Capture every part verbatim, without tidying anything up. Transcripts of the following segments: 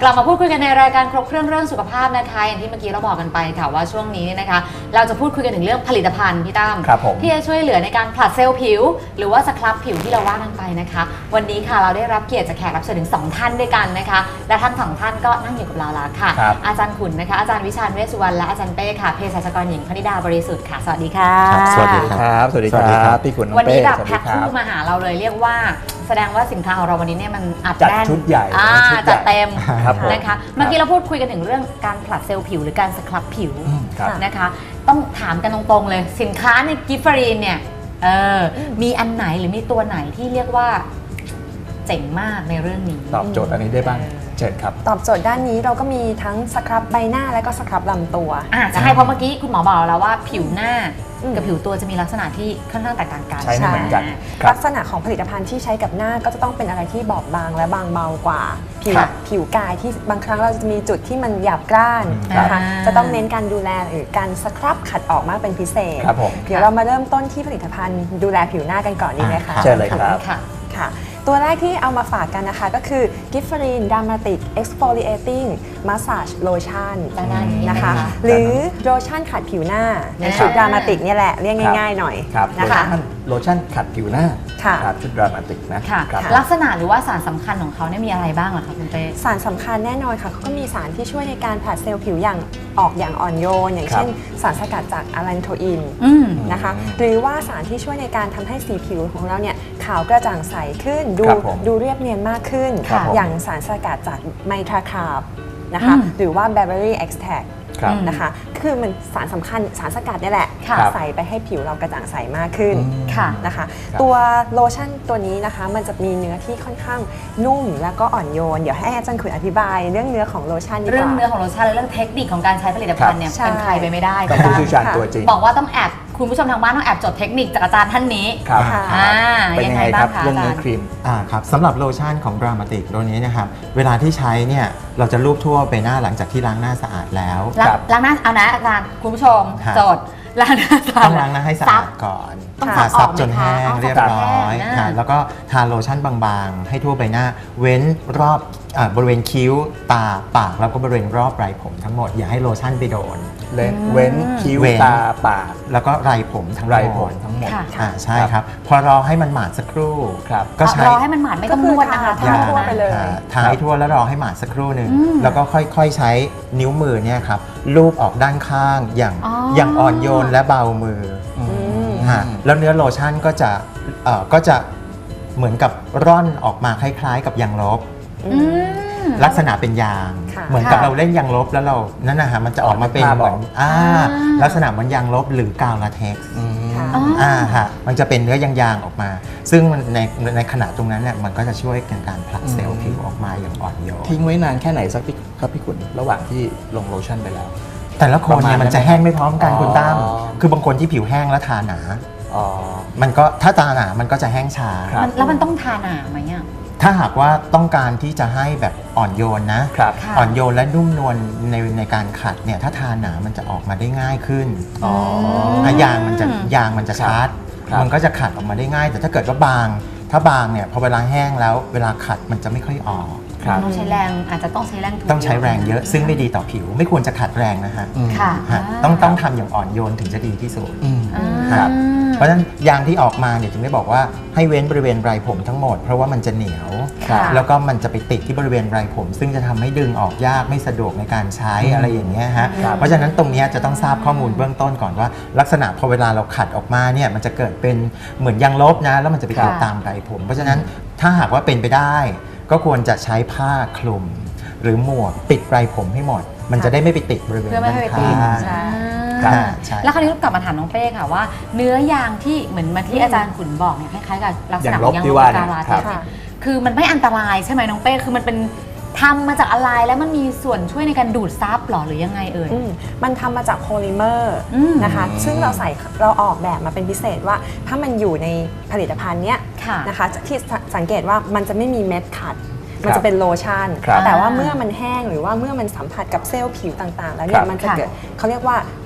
กลับมาพูดคุยกันในรายการครบเครื่องเรื่องสุขภาพนะคะอย่างที่เมื่อกี้เราบอกกันไปค่ะว่าช่วงนี้เนี่ยนะคะเราจะพูดคุยกันถึงเรื่องผลิตภัณฑ์พี่ตั้มที่จะช่วยเหลือในการผลัดเซลล์ผิวหรือว่าสครับผิวที่เราว่ากันไปนะคะวันนี้ค่ะเราได้รับเกียรติจากแขกรับเชิญถึงสองท่านด้วยกันนะคะและทั้งสองท่านก็นั่งอยู่กับเราแล้วค่ะอาจารย์ขุนนะคะอาจารย์วิชาญเวชสุวรรณและอาจารย์เป้ค่ะเภสัชกรหญิงพนิดาบริสุทธิ์ค่ะสวัสดีค่ะสวัสดีครับสวัสดีครับพี่ขุนน้องเป้วันนี้แบบแพ็คคู่มาหาเราเลยเรียกว่าแสดงว่าสินค้าของเราวันนี้เนี่ยมันอัดแน่นชุดใหญ่จัดเต็มนะคะเมื่อกี้เราพูดคุยกันถึงเรื่องการผลัดเซลล์ผิวหรือการสครับผิวนะคะต้องถามกันตรงๆเลยสินค้าในกิฟฟรีนเนี่ยเออมีอันไหนหรือมีตัวไหนที่เรียกว่าเจ๋งมากในเรื่องนี้ตอบโจทย์อันนี้ได้บ้างเชิญครับตอบโจทย์ด้านนี้เราก็มีทั้งสครับใบหน้าและก็สครับลำตัวอ่าใช่เพราะเมื่อกี้คุณหมอบอกแล้วว่าผิวหน้ากับผิวตัวจะมีลักษณะที่ค่อนข้างแตกต่างกันใช่ไม่เหมือนกันลักษณะของผลิตภัณฑ์ที่ใช้กับหน้าก็จะต้องเป็นอะไรที่บอบบางและบางเบากว่าผิวผิวกายที่บางครั้งเราจะมีจุดที่มันหยาบกร้านนะคะจะต้องเน้นการดูแลหรือการสครับขัดออกมากเป็นพิเศษเดี๋ยวเรามาเริ่มต้นที่ผลิตภัณฑ์ดูแลผิวหน้ากันก่อนดีไหมคะเชิญเลยครับค่ะตัวแรกที่เอามาฝากกันนะคะก็คือ Gifferin Dermatic Exfoliating Massage Lotion นะคะหรือโลชั่นขัดผิวหน้าในชุด Dermatic เนี่ยแหละเรียกง่ายๆหน่อยนะคะโลชั่นขัดผิวหน้าชุด Dermatic นะลักษณะหรือว่าสารสำคัญของเขาเนี่ยมีอะไรบ้างเหรอคะคุณเป้สารสำคัญแน่นอนค่ะเขาก็มีสารที่ช่วยในการผลัดเซลล์ผิวอย่างออกอย่างอ่อนโยนอย่างเช่นสารสกัดจากอะแลนโทอินนะคะหรือว่าสารที่ช่วยในการทำให้สีผิวของเราเนี่ยขาวกระจ่างใสขึ้นดูดูเรียบเนียนมากขึ้นอย่างสารสกัดจากไมทราคาร์บนะคะหรือว่า Berberry Extract นะคะคือมันสารสำคัญสารสกัดนี่แหละใส่ไปให้ผิวเรากระจ่างใสมากขึ้นนะคะตัวโลชั่นตัวนี้นะคะมันจะมีเนื้อที่ค่อนข้างนุ่มแล้วก็อ่อนโยนเดี๋ยวให้อาจารย์ขุนอธิบายเรื่องเนื้อของโลชั่นดีกว่าเรื่องเนื้อของโลชั่นและเรื่องเทคนิคของการใช้ผลิตภัณฑ์เนี่ยเป็นใครไปไม่ได้ต้องผู้เชี่ยวชาญตัวจริงบอกว่าต้องแอบคุณผู้ชมทางบ้านต้องแอบจดเทคนิคจากอาจารย์ท่านนี้ครับเป็นยังไงบ้างคะเรื่องเนื้อครีมอ่าครับสำหรับโลชั่นของ Dermatic ตัวนี้นะครับเวลาที่ใช้เนี่ยเราจะลูบทั่วไปหน้าหลังจากที่ล้างหน้าสะอาดแล้วล้างหน้าเอานะอาจารย์คุณผู้ชมจดล้างหน้าต้องล้างหน้าให้สะอาดก่อนซับจนแห้งเรียบร้อยแล้วก็ทาโลชั่นบางๆให้ทั่วใบหน้าเว้นรอบบริเวณคิ้วตาปากแล้วก็บริเวณรอบไรผมทั้งหมดอย่าให้โลชั่นไปโดนเว้นคิ้วตาปากแล้วก็ไรผมทั้งไรผมทั้งหมดใช่ครับพอรอให้มันหมาดสักครู่ก็ใช้รอให้มันหมาดไม่ต้องนวดนะคะทาทั่วไปเลยทาให้ทั่วแล้วรอให้หมาดสักครู่หนึ่งแล้วก็ค่อยๆใช้นิ้วมือเนี่ยครับลูบออกด้านข้างอย่างอย่างอ่อนโยนและเบามือแล้วเนื้อโลชั่นก็จะก็จะเหมือนกับร่อนออกมาคล้ายๆกับยางลบลักษณะเป็นยางเหมือนกับเราเล่นยางลบแล้วเรานั่นนะฮะมันจะออกมาเป็นเหมือนลักษณะเหมือนยางลบหรือกาวลาเท็กซ์อ่าฮะมันจะเป็นเนื้อยางๆออกมาซึ่งในในขณะตรงนั้นเนี่ยมันก็จะช่วยในการผลักเซลล์ผิวออกมาอย่างอ่อนโยนทิ้งไว้นานแค่ไหนสักพี่ครับพี่ขุนระหว่างที่ลงโลชั่นไปแล้วแต่ละคนเนี่ยมันจะแห้งไม่พร้อมกันคุณตั้มคือบางคนที่ผิวแห้งแล้วทาหนามันก็ถ้าตาหนามันก็จะแห้งช้าแล้วมันต้องทาหนาไหมอ่ะถ้าหากว่าต้องการที่จะให้แบบอ่อนโยนนะอ่อนโยนและนุ่มนวลในในการขัดเนี่ยถ้าทาหนามันจะออกมาได้ง่ายขึ้นยางมันจะยางมันจะชาร์จมันก็จะขัดออกมาได้ง่ายแต่ถ้าเกิดว่าบางถ้าบางเนี่ยพอเวลาแห้งแล้วเวลาขัดมันจะไม่ค่อยออกต้องใช้แรงอาจจะต้องใช้แรงต้องใช้แรงเยอะซึ่งไม่ดีต่อผิวไม่ควรจะขัดแรงนะฮะต้องต้องทำอย่างอ่อนโยนถึงจะดีที่สุดครับเพราะฉะนั้นยางที่ออกมาเนี่ยจึงได้บอกว่าให้เว้นบริเวณไรผมทั้งหมดเพราะว่ามันจะเหนียวแล้วก็มันจะไปติดที่บริเวณไรผมซึ่งจะทำให้ดึงออกยากไม่สะดวกในการใช้อะไรอย่างเงี้ยฮะเพราะฉะนั้นตรงนี้จะต้องทราบข้อมูลเบื้องต้นก่อนว่าลักษณะพอเวลาเราขัดออกมาเนี่ยมันจะเกิดเป็นเหมือนยางลบนะแล้วมันจะไปติดตามไรผมเพราะฉะนั้นถ้าหากว่าเป็นไปได้ก็ควรจะใช้ผ้าคลุมหรือหมวกปิดไรผมให้หมดมันจะได้ไม่ไปติดบริเวณด้านข้างแล้วคราวนี้กลับมาถามน้องเป้ค่ะว่าเนื้อยางที่เหมือนมาที่อาจารย์ขุนบอกเนี่ยคล้ายๆกับลักษณะของยางลบกาลาเท็กซ์คือมันไม่อันตรายใช่ไหมน้องเป้คือมันเป็นทำมาจากอะไรแล้วมันมีส่วนช่วยในการดูดซับหรอหรือยังไงเอ่ยมันทำมาจากโพลิเมอร์นะคะซึ่งเราใส่เราออกแบบมาเป็นพิเศษว่าถ้ามันอยู่ในผลิตภัณฑ์เนี้ยนะคะที่สังเกตว่ามันจะไม่มีเม็ดขัดมันจะเป็นโลชั่นแต่ว่าเมื่อมันแห้งหรือว่าเมื่อมันสัมผัสกับเซลล์ผิวต่างๆแล้วเนี่ยมันจะเกิดเขาเรียกว่า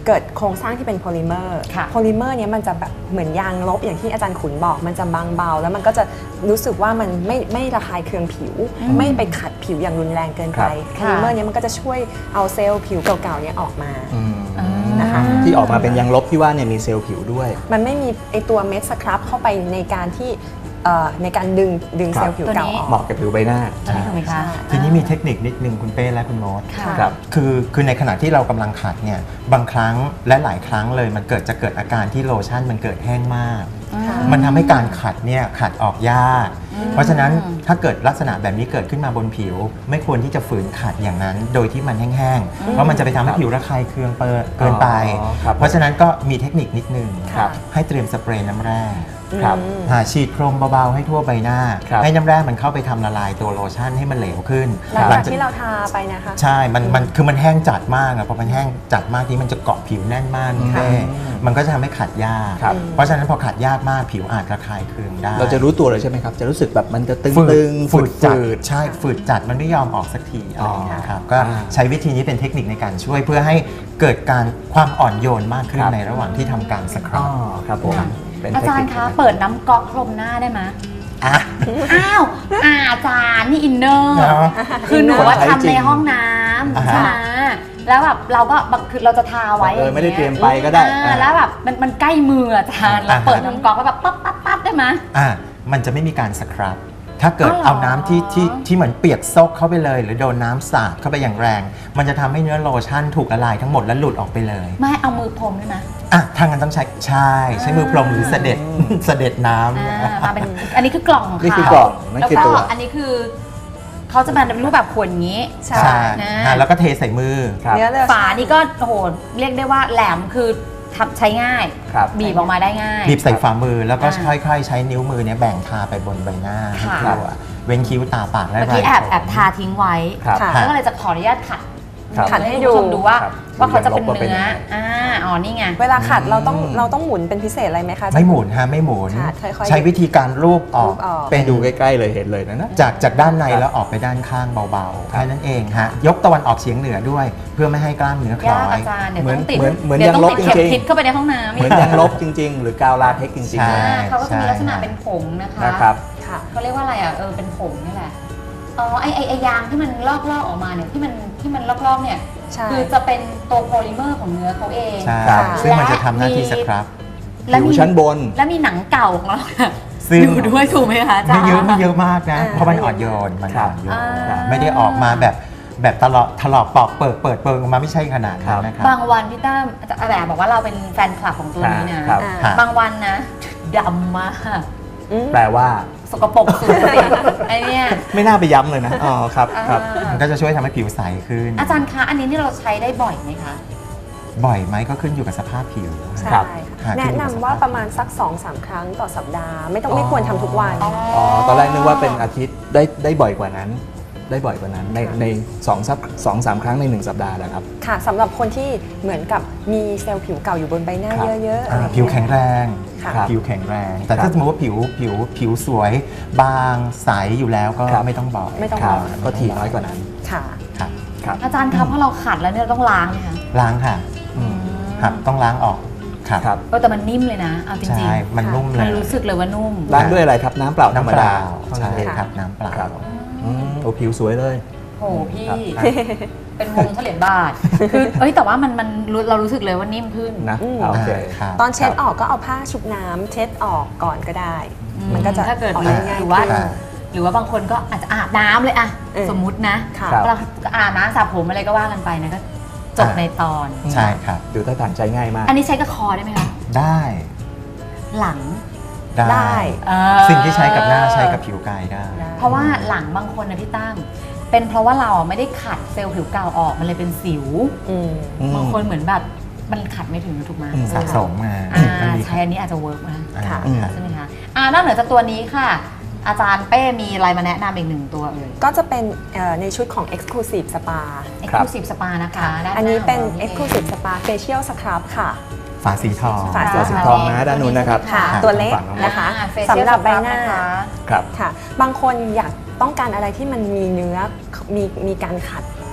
เกิดโครงสร้างที่เป็นโพลิเมอร์โพลิเมอร์เนี้ยมันจะแบบเหมือนยางลบอย่างที่อาจารย์ขุนบอกมันจะบางเบาแล้วมันก็จะรู้สึกว่ามันไม่ไม่ระคายเคืองผิวไม่ไปขัดผิวอย่างรุนแรงเกินไปโพลิเมอร์เนี้ยมันก็จะช่วยเอาเซลล์ผิวเก่าๆเนี้ยออกมานะคะที่ออกมาเป็นยางลบที่ว่าเนี่ยมีเซลล์ผิวด้วยมันไม่มีไอตัวเม็ดสครับเข้าไปในการที่ในการดึงดึงเซลล์ผิวเก่าออกเหมาะกับผิวใบหน้าทีนี้มีเทคนิคนิดนึงคุณเป้และคุณโน้ตครับคือคือในขณะที่เรากำลังขัดเนี่ยบางครั้งและหลายครั้งเลยมันเกิดจะเกิดอาการที่โลชั่นมันเกิดแห้งมากมันทำให้การขัดเนี่ยขัดออกยากเพราะฉะนั้นถ้าเกิดลักษณะแบบนี้เกิดขึ้นมาบนผิวไม่ควรที่จะฝืนขัดอย่างนั้นโดยที่มันแห้งๆเพราะมันจะไปทำให้ผิวระคายเคืองเกินไปเพราะฉะนั้นก็มีเทคนิคนิดนึงให้เตรียมสเปรย์น้ำแร่หาฉีดพรมเบาๆให้ทั่วใบหน้าให้น้ำแร่มันเข้าไปทำละลายตัวโลชั่นให้มันเหลวขึ้นหลังจากที่เราทาไปนะคะใช่มันมันคือมันแห้งจัดมากอะพอมันแห้งจัดมากที่มันจะเกาะผิวแน่นมากแม่มันก็จะทำให้ขัดยากเพราะฉะนั้นพอขัดยากมากผิวอาจระคายเคืองได้เราจะรู้ตัวเลยใช่ไหมครับจะรู้สึกแบบมันจะตึงๆฝืดจัดใช่ฝืดจัดมันไม่ยอมออกสักทีอะไรอย่างเงี้ยครับก็ใช้วิธีนี้เป็นเทคนิคในการช่วยเพื่อให้เกิดการความอ่อนโยนมากขึ้นในระหว่างที่ทำการสครับครับผมอาจารย์คะเปิดน้ำก๊อกพรมหน้าได้ไหมอ้าวอาจารย์นี่อินเนอร์คือหนูว่าทำในห้องน้ำใช่ไหมแล้วแบบเราก็คือเราจะทาไว้ไม่ได้เตรียมไปก็ได้แล้วแบบมันมันใกล้มืออาจารย์เราเปิดน้ำก๊อกแล้วแบบปั๊บปั๊บปั๊บได้ไหมอ่ามันจะไม่มีการสครับถ้าเกิดเอาน้ำที่ที่ที่เหมือนเปียกซกเข้าไปเลยหรือโดนน้ำสาดเข้าไปอย่างแรงมันจะทำให้เนื้อโลชั่นถูกละลายทั้งหมดและหลุดออกไปเลยไม่เอามือพรมได้ไหมอ่ะทางนั้นต้องใช้ใช่ใช้มือพรมหรือเสด็จเสด็จน้ำมาเป็นอันนี้คือกล่องของเขานี่คือกล่องแล้วก็อันนี้คือเขาจะมาเป็นรูปแบบขวดอย่างนี้ใช่แล้วก็เทใส่มือฝานี่ก็โอ้โหเรียกได้ว่าแหลมคือทำใช้ง่ายบีบออกมาได้ง่ายบีบใส่ฝ่ามือแล้วก็ค่อยๆใช้นิ้วมือเนี่ยแบ่งทาไปบนใบหน้าตัวเว้นคิ้วตาปากและไรเมื่อกี้แอบแอบทาทิ้งไว้แล้วก็เลยจะขออนุญาตขัดขัดให้ดูดูว่าว่าเขาจะเป็นเนื้ออ่าอ๋อนี่ไงเวลาขัดเราต้องเราต้องหมุนเป็นพิเศษอะไรไหมคะไม่หมุนฮะไม่หมุนใช้วิธีการรูปออกเป็นดูใกล้ๆเลยเห็นเลยนะนะจากจากด้านในแล้วออกไปด้านข้างเบาๆแค่นั้นเองฮะยกตะวันออกเฉียงเหนือด้วยเพื่อไม่ให้กล้ามเนื้อคล้อยเหมือนเหมือนเหมือนยางลบจริงๆเข้าไปในห้องน้ำเหมือนยางลบจริงๆหรือกาวลาเทคจริงๆเขาก็จะมีลักษณะเป็นผงนะคะเขาเรียกว่าอะไรอ่ะเออเป็นผงนี่แหละอ๋อไอไอไอยางที่มันลอกๆออกมาเนี่ยที่มันที่มันลอกๆเนี่ยคือจะเป็นตัวโพลิเมอร์ของเนื้อเขาเองใช่ซึ่งมันจะทำหน้าที่สครับผิวชั้นบนและมีหนังเก่าของเราอยู่ด้วยถูกไหมคะอาจารย์ไม่เยอะไม่เยอะมากนะเพราะมันอ่อนโยนมันอ่อนโยนไม่ได้ออกมาแบบแบบตลอดถลอกปอกเปิดเปิดเปิดออกมาไม่ใช่ขนาดนั้นนะครับบางวันพี่ตั้มอาจารย์บอกว่าเราเป็นแฟนคลับของตัวนี้นะบางวันนะดำมากแปลว่าสกปรกสุดไอเนี่ยไม่น่าไปย้ำเลยนะอ๋อครับครับมันก็จะช่วยทำให้ผิวใสขึ้นอาจารย์คะอันนี้นี่เราใช้ได้บ่อยไหมคะบ่อยไหมก็ขึ้นอยู่กับสภาพผิวใช่แนะนำว่าประมาณสัก สองถึงสาม ครั้งต่อสัปดาห์ไม่ต้องไม่ควรทำทุกวันอ๋อตอนแรกนึกว่าเป็นอาทิตย์ได้ได้บ่อยกว่านั้นได้บ่อยกว่านั้นในในสองสักสองสามครั้งในหนึ่งสัปดาห์นะครับค่ะสำหรับคนที่เหมือนกับมีเซลล์ผิวเก่าอยู่บนใบหน้าเยอะๆผิวแข็งแรงผิวแข็งแรงแต่ถ้าสมมติว่าผิวผิวผิวสวยบางใสอยู่แล้วก็ไม่ต้องบอกไม่ต้องบอกก็ถี่น้อยกว่านั้นค่ะครับอาจารย์ครับเพราะเราขัดแล้วเนี่ยต้องล้างไหมคะล้างค่ะครับต้องล้างออกครับเออแต่มันนิ่มเลยนะเอาจริงๆใช่มันนุ่มเลยมันรู้สึกเลยว่านุ่มล้างด้วยอะไรครับน้ำเปล่าธรรมดาใช่ครับน้ำเปล่าโอ้ผิวสวยเลยโอ้พี่เป็นวงเหรียญบาทคือเอ้ยแต่ว่ามันมันเรารู้สึกเลยว่านิ่มขึ้นนะโอเคตอนเช็ดออกก็เอาผ้าชุบน้ำเช็ดออกก่อนก็ได้มันก็จะถ้าเกิดหรือว่าหรือว่าบางคนก็อาจจะอาบน้ำเลยอะสมมุตินะเราอาบน้ำสระผมอะไรก็ว่ากันไปนะก็จบในตอนใช่ครับดูท่าทางใช้ง่ายมากอันนี้ใช้กับคอได้ไหมคะได้หลังได้สิ่งที่ใช้กับหน้าใช้กับผิวกายได้เพราะว่าหลังบางคนนะพี่ตั้มเป็นเพราะว่าเราไม่ได้ขัดเซลล์ผิวเก่าออกมันเลยเป็นสิวบางคนเหมือนแบบมันขัดไม่ถึงถูกไหมสะสมมาใช้อันนี้อาจจะเวิร์กนะใช่ไหมคะนอกเหนือจากตัวนี้ค่ะอาจารย์เป้มีอะไรมาแนะนำอีกหนึ่งตัวเลยก็จะเป็นในชุดของ Exclusive Spa Exclusive Spa นะคะอันนี้เป็น Exclusive Spa Facial Scrub ค่ะฝาสีทองฝาสีทองนะด้านนู้นนะครับตัวเล็กนะคะสำหรับใบหน้าครับค่ะบางคนอยากต้องการอะไรที่มันมีเนื้อมีมีการขัด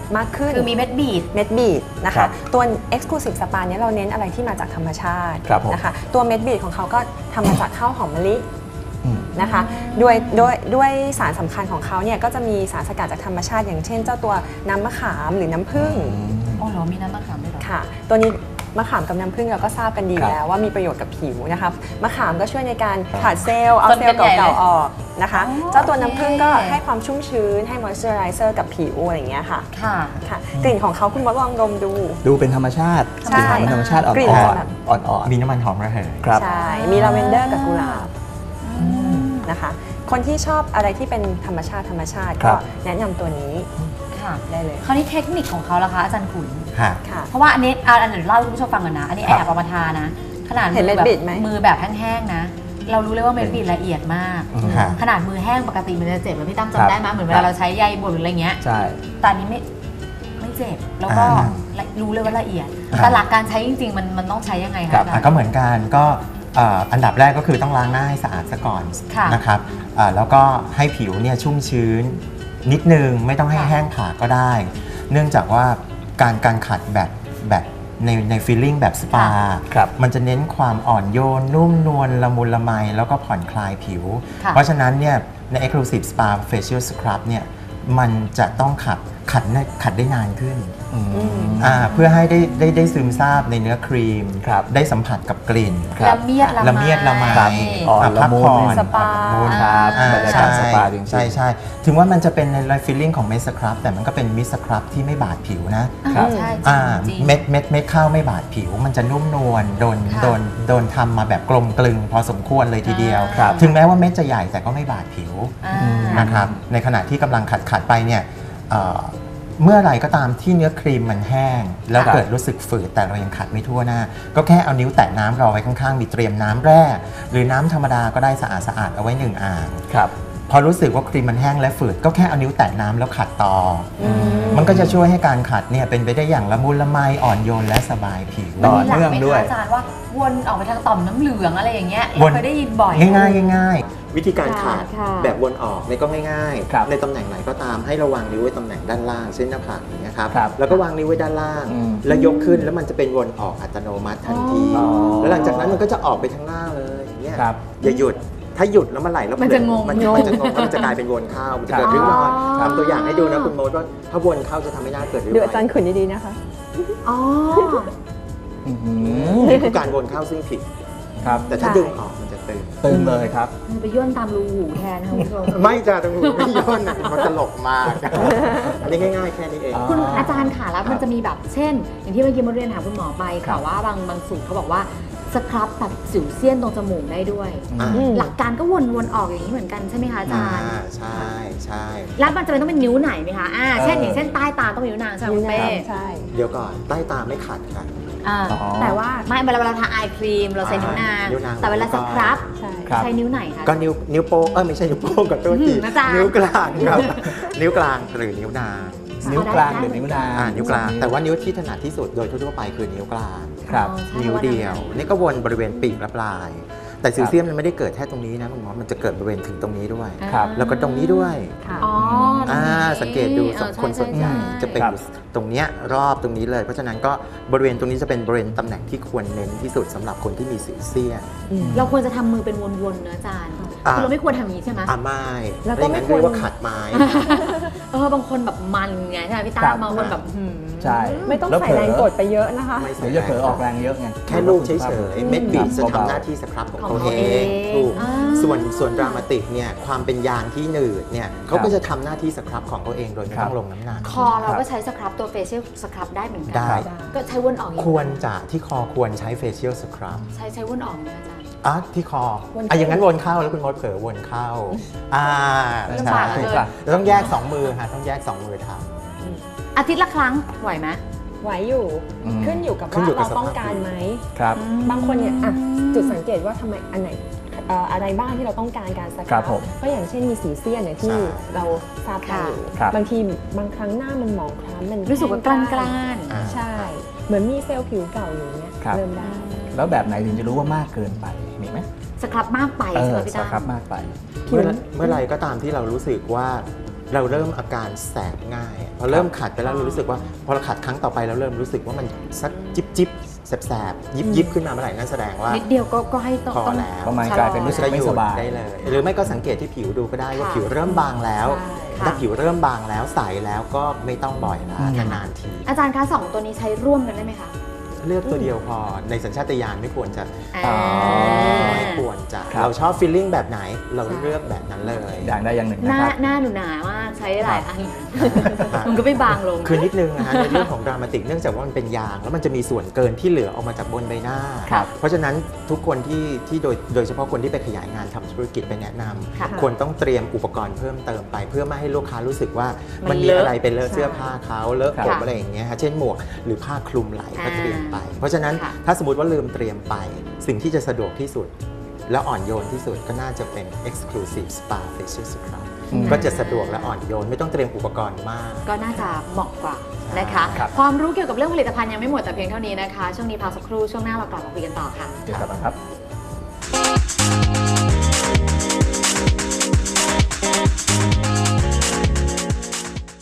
มากขึ้นคือมีเม็ดบีดเม็ดบีดนะครัคะบตัว Exclusive Spa เนี่ยเราเน้นอะไรที่มาจากธรรมชาติครับผมนะคะตัวเม็ดบีดของเขาก็ทำมาจากข้าวหอมมะลิอืมนะคะด้วยด้วยด้วยสารสำคัญของเขาเนี่ยก็จะมีสารสกัดจากธรรมชาติอย่างเช่น เจ้าตัวน้ำมะขามหรือน้ำผึ้งอ๋อเหรอมีน้ำมะขามด้วยเหรอค่ะตัวนี้มะขามกับน้ำผึ้งเราก็ทราบกันดีครับแล้วว่ามีประโยชน์กับผิวนะคะมะขามก็ช่วยในการผลัดเซลล์เอาคนเซลกันล์ใหญ่เก่าเลยๆออกนะคะอ๋อเจ้าตัวน้ำผึ้งก็โอเคให้ความชุ่มชื้นให้ moisturizer กับผิวอะไรอย่างเงี้ยค่ะค่ะค่ะกลิ่นของเขาคุณมดลองดมดูดูเป็นธรรมชาติใช่กลิ่นของธรรมชาติอ่กลิ่นอจะนแบบๆอ่อนมีน้ำมันหอมระเหยๆครับใช่มีลาเวนเดอร์กับกุหลาบนะคะคนที่ชอบอะไรที่เป็นธรรมชาติธรรมชาติครัก็บแนะนำตัวนี้ค่ะได้เลยคราวนี้เทคนิคของเขาล่ะคะอาจารย์ขุนค่ะค่ะเพราะว่าอันนี้อ่ะอันเดี๋ยวเล่าให้คุณผู้ชมฟังก่อนนะ อันนี้คแอรับบ เอามาทานะ ขนาดเห็นมือแบบเม็ดบิดไหมมือแบบแห้งๆนะ เรารู้เลยว่าเม็ดบิดละเอียดมากอืมค่ะขนาดมือแห้งปกติมันจะเจ็บแล้วพี่ตั้มครับจำได้ไหมเหมือนเวครัลาบเราใช้ใยบดหรืออะไรเงี้ยใช่แต่อันนี้ไม่ไม่เจ็บ แล้วก็อ่ารู้เลยว่าละเอียดอ่าแต่หลักการใช้จริงๆ มันมันต้องใช้ยังไงคะครับอาจารอ่ะย์ก็เหมือนกันก็เอ่ออันดับแรกก็คือต้องล้างหน้าให้สะอาดซะก่อนค่ะนะครับอ่าแล้วก็ให้ผิวเนี่ยชุ่มชื้น นิดนึงไม่ต้องให้ค่ะแห้งผากก็ได้ เนื่องจากว่าการการขัดแบบแบบในในฟีลลิ่งแบบสปาครับมันจะเน้นความอ่อนโยน นุ่มนวลละมุนละไม แล้วก็ผ่อนคลายผิวค่ะเพราะฉะนั้นเนี่ยใน Exclusive Spa Facial Scrub เนี่ยมันจะต้องขัดขัดได้ขัดได้นานขึ้นอืมอ่าเพื่อให้ได้ได้ได้ซึมซาบในเนื้อครีมครับได้สัมผัสกับกลิ่นครับละเมียดละละเมียดละไมครับอ่อนละมุนพักผ่อนสปาอ่อนละมุนครับอ่าบรรยากาใช่ศสปาจริงๆใช่ใช่ถึงว่ามันจะเป็นในฟีลลิ่งของเมสครับแต่มันก็เป็นมิสครับที่ไม่บาดผิวนะครับใช่อ่าจริงๆเม็ดเม็ดเม็ดข้าวไม่บาดผิว มันจะนุ่มนวลโดนค่ะโดนโดนทำมาแบบกลมกลึงพอสมควรเลยทีเดียวครับถึงแม้ว่าเม็ดจะใหญ่แต่ก็ไม่บาดผิวอ่านะครับในขณะที่กำลังขัดขัดไปเนี่ยเอ่อเมื่อไหร่ก็ตามที่เนื้อครีมมันแห้ง แล้วครับเกิดรู้สึกฝืดแต่เรายังขัดไม่ทั่วหน้า ก็แค่เอานิ้วแตะน้ำเราไว้ข้างๆ มีเตรียมน้ำแร่ หรือน้ำธรรมดาก็ได้สะอาดสะอาดๆเอาไว้หนึ่งอ่างครับพอรู้สึกว่าครีมมันแห้งและฝืดก็แค่เอานิ้วแตะน้ำแล้วขัดต่ออมมันก็จะช่วยให้การขัดเนี่ยเป็นไปได้อย่างละมุนละไมอ่อนโยนและสบายผิวต่อมีหลักเนื่องไหมด้วยคะอาจารย์ว่าวนออกไปทางต่อมน้ำเหลืองอะไรอย่างเงี้ยวเรานเคยได้ยินบ่อยง่ายๆง่ายๆวิธีการขัดค่ะแบบวนออกเนี่ยก็ง่ายครับๆ ในตำแหน่งไหนก็ตามให้ระวางนิ้วไว้ตำแหน่งด้านล่างเช่นหน้าผากอย่างเงี้ยครับครับแล้วก็วางนิ้วไว้ด้านล่างอืมแล้วยกขึ้นแล้วมันจะเป็นวนออกอัตโนมัติทันทีอ๋อแล้วหลังจากนั้นมันก็จะออกไปทางหน้าเลยอย่างเงี้ยครับอย่าหยุดถ้าหยุดแล้วมันไหลแล้วมันจะงงมันมันจะงงมันจะกลายเป็นวนเข้ามันจะเกิดริ้วรอยอ๋อทำตัวอย่างให้ดูนะคุณโมดว่าถ้าวนเข้าจะทำให้หน้าเกิดริ้วดูรออาจารยย์ขุนดีๆนะคะอ๋ออื้อหือนี่คือการวนเข้าซึ่งผิดครับแต่ถ้าใช่ดึงออกมันจะตึงตึงเลยครับมันไปย่นตามรูหูแทนนะคุณผู้ชมไม่จ้าตรงหูไม่ย่นนะมันตลกมากอันนี้ง่ายๆแค่นี้เองอ๋อคุณอาจารย์ค่ะแล้วมันจะมีแบบเช่น อย่างที่เมื่อกี้มาเรียนถามคุณหมอไปครัค่ะบว่าบางบางสูตรเขาบอกว่าสครับตัดสิวเซียนตรงจมูกได้ด้วยอ่าอืมหลักการก็วนวนๆออกอย่างนี้เหมือนกันใช่ไหมคะอาจารย์อ่าใช่ใช่แล้วมันจะเป็นต้องเป็นนิ้วไหนไหมคะอ่าเช่นเออออย่างเช่นใต้ตาต้องเป็นนิ้วนางใช่ไหมคุณเป้ใช่เดี๋ยวก่อนใต้ตาไม่ขัดค่ะอ่าอ๋อแต่ว่าไม่เวลาเวลาทาไอครีมเราใช้นิ้วนางนิ้วนางแต่เวลาสครับใช่ครับใช้นิ้วไหนคะก็นิ้วนิ้วโป้งเออไม่ใช่นิ้วโป้งกับตัวทีอืมอาจารย์นิ้วกลางครับ นิ้วกลางหรือนิ้วนางนิ้วกลางหรือนิ้วนางอ่านิ้วกลาง แต่ว่านิ้วที่ถนัดที่สุดโดยทั่วๆไปคือนิ้วกลางครับอ๋อใช่นิ้วเดียว นี่ก็วนบริเวณปีกและปลาย แต่ซิลเซียมมันไม่ได้เกิดแค่ตรงนี้นะคุณหมอมันจะเกิดบริเวณถึงตรงนี้ด้วยครับแล้วก็ตรงนี้ด้วยค่ะอ๋อตรอ่างนี้สังเกตดูออคนส่วนใหญ่ช่ช่จะเป็นครับอยู่ตรงเนี้ยรอบตรงนี้เลย เพราะฉะนั้นก็บริเวณตรงนี้จะเป็นบริเวณตำแหน่งที่ควรเน้นที่สุดสำหรับคนที่มีสิวเซียนเราควรจะทำมือเป็นวนๆนะอาจารย์อ่าคือเราไม่ควรทำอย่างนี้ใช่ไหมอ่าไม่แล้วก็ไม่ไม่งั้นควรเรียกว่าขัดไม้เออบางคนแบบมันไงใช่ไหมพี่ครัตาบบางคนแบบหืมใช่ไม่ต้องแล้วใส่เผลแรงกดไปเยอะนะคะไม่เดี๋ยวจะเผลอออกแรงเยอะไงแค่ลูกเฉยๆ เม็ดบีดจะเบาๆทำหน้าที่สครับของของเขาเขาเอเอง งถูกอ่าส่วนส่วนดรามาติกเนี่ยความเป็นยางที่หนืดเนี่ยเขาครัก็บจะทำหน้าที่สครับของเขาเองโดยไม่ครัต้บองลงน้ำหนักคอเราก็ใช้สครับตัวเฟเชียลสครับได้เหมือนกัได้ก็ใช้วนออกอย่างควนี้รจะที่คอควรใช้เฟเชียลสครับใช้ใช้วนออกนะอาจารย์อ่ะที่คอวนเข้าอ่ะอย่างนั้นวนเข้าแล้วคุณมดเผลอวนเข้าอ่าลำใช่บากเลยเราต้องแยกสองมือค่ะต้องแยกสองมือทำอาทิตย์ละครั้งไหวไหมไหวอยู่อืมขึ้นอยู่กับขึ้นว่าอยู่กับเราต้องการไหมครับบางคนเนี่ยอ่ะจุดสังเกตว่าทำไมอันไหนเอ่ออะไรบ้างที่เราต้องการการสครัครับผมก็อย่างเช่นมีสีเสี้ยนอย่างที่ใช่เราทราบกันอยู่ครับบางทีบางครั้งหน้ามันหมองคล้ำมันรู้สึกว่ากล้านกล้านอ่าใช่ เหมือนมีเซลล์ผิวเก่าอยู่เนี่ยครับเริ่มได้แล้วแบบไหนถึงจะรู้ว่ามากเกินไป มีไหมสครับมากไปเอใช่ไหอมพี่สตาครับมากไปเมื่อเมื่อไรก็ตามที่เรารู้สึกว่าเราเริ่มอาการแสบง่ายพอเริ่มขัดไปแล้วเรารู้สึกว่าพอเราขัดครั้งต่อไปเราเริ่มรู้สึกว่ามันสักจิบจิบแสบๆยิบยิบขึ้นมาเมื่อไหร่นั่นแสดงว่านิดเดียวก็ก็ให้ต้องพอต้องแล้วประมาณกลายเป็นรู้สึกไม่สบายได้เลย หรือไม่ก็สังเกตที่ผิวดูก็ได้ว่าค่ะผิวเริ่มบางแล้วใช่ถ้าผิวเริ่มบางแล้วใสแล้วก็ไม่ต้องบ่อยละอืมนานๆทีอาจารย์คะสองตัวนี้ใช้ร่วมกันได้ไหมคะเลือกตัวเดียวพอในสัญชาตญาณไม่ควรจะอ่าไม่ควรจะครับเราชอบฟีลลิ่งแบบไหนเราใช่เลือกแบบนั้นเลยอย่างใดอย่างหนึ่งหนะน้าครับหน้าหนูหนามากใช้หลายอันครับมันก็ไม่บางลงคือนิดนึงนะฮะในเรื่องของดรามาติกเนื่องจากว่ามันเป็นยางแล้วมันจะมีส่วนเกินที่เหลือออกมาจากบนใบหน้าครับเพราะฉะนั้นทุกคนที่ที่โดยโดยเฉพาะคนที่ไปขยายงานทำธุรกิจไปแนะนำค่ะควรต้องเตรียมอุปกรณ์เพิ่มเติมไป เพื่อไม่ให้ลูกค้ารู้สึกว่ามัมันนมีเลอะอะไรเป็นเลอะเสื้อผ้าเขาเลอะผมค่ะอะไรอย่างเงี้ยฮะเช่นหมวกหรือผ้าคลุมไหล่ก็เตรียมไป เพราะฉะนั้นค่ะถ้าสมมติว่าลืมเตรียมไป สิ่งที่จะสะดวกที่สุด และอ่อนโยนที่สุดก็น่าจะเป็น exclusive spa facial scrub อืมก็จะสะดวกและอ่อนโยนไม่ต้องเตรียมอุปกรณ์มากก็น่าจะเหมาะกว่านะคะครับความรู้เกี่ยวกับเรื่องผลิตภัณฑ์ยังไม่หมดแต่เพียงเท่านี้นะคะ ช่วงนี้พักสักครู่ช่วงหน้าเรากลับมาคุยกันต่อค่ะเดี๋ยวกลับมาครับ